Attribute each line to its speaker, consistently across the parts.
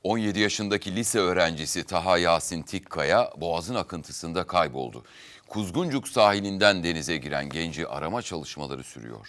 Speaker 1: 17 yaşındaki lise öğrencisi Taha Yasin Tikkaya boğazın akıntısında kayboldu. Kuzguncuk sahilinden denize giren genci arama çalışmaları sürüyor.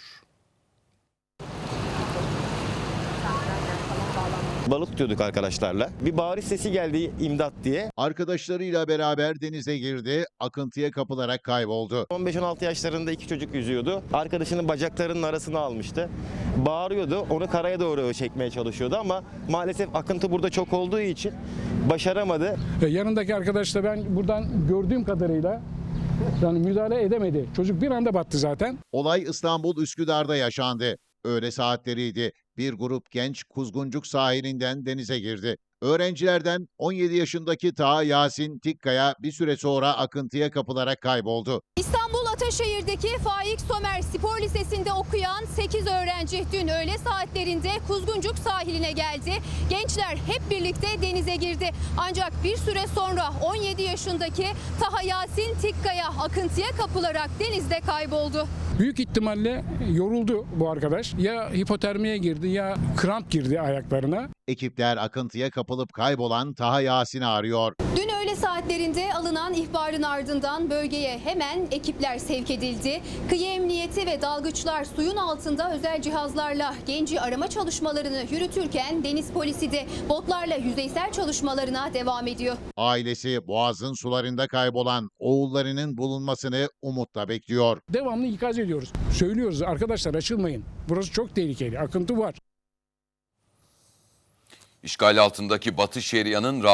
Speaker 2: Balık tutuyorduk arkadaşlarla. Bir bağırış sesi geldi, imdat diye.
Speaker 3: Arkadaşlarıyla beraber denize girdi, akıntıya kapılarak kayboldu.
Speaker 2: 15-16 yaşlarında iki çocuk yüzüyordu. Arkadaşının bacaklarının arasına almıştı. Bağırıyordu, onu karaya doğru çekmeye çalışıyordu ama maalesef akıntı burada çok olduğu için başaramadı.
Speaker 4: Yanındaki arkadaş da ben buradan gördüğüm kadarıyla yani müdahale edemedi. Çocuk bir anda battı zaten.
Speaker 3: Olay İstanbul Üsküdar'da yaşandı. Öğle saatleriydi. Bir grup genç Kuzguncuk sahilinden denize girdi. Öğrencilerden 17 yaşındaki Taha Yasin Tikkaya bir süre sonra akıntıya kapılarak kayboldu.
Speaker 5: İstanbul Ataşehir'deki Faik Somer Spor Lisesi'nde okuyan 8 öğrenci dün öğle saatlerinde Kuzguncuk sahiline geldi. Gençler hep birlikte denize girdi. Ancak bir süre sonra 17 yaşındaki Taha Yasin Tikkaya akıntıya kapılarak denizde kayboldu.
Speaker 4: Büyük ihtimalle yoruldu bu arkadaş. Ya hipotermiye girdi ya kramp girdi ayaklarına.
Speaker 3: Ekipler akıntıya kapılıp kaybolan Taha Yasin'i arıyor.
Speaker 5: Dün öğle saatlerinde alınan ihbarın ardından bölgeye hemen ekipler sevk edildi. Kıyı emniyeti ve dalgıçlar suyun altında özel cihazlarla genci arama çalışmalarını yürütürken deniz polisi de botlarla yüzeysel çalışmalarına devam ediyor.
Speaker 3: Ailesi boğazın sularında kaybolan oğullarının bulunmasını umutla bekliyor.
Speaker 4: Devamlı ikaz ediyoruz. Söylüyoruz arkadaşlar açılmayın. Burası çok tehlikeli. Akıntı var.
Speaker 1: İşgal altındaki Batı Şeria'nın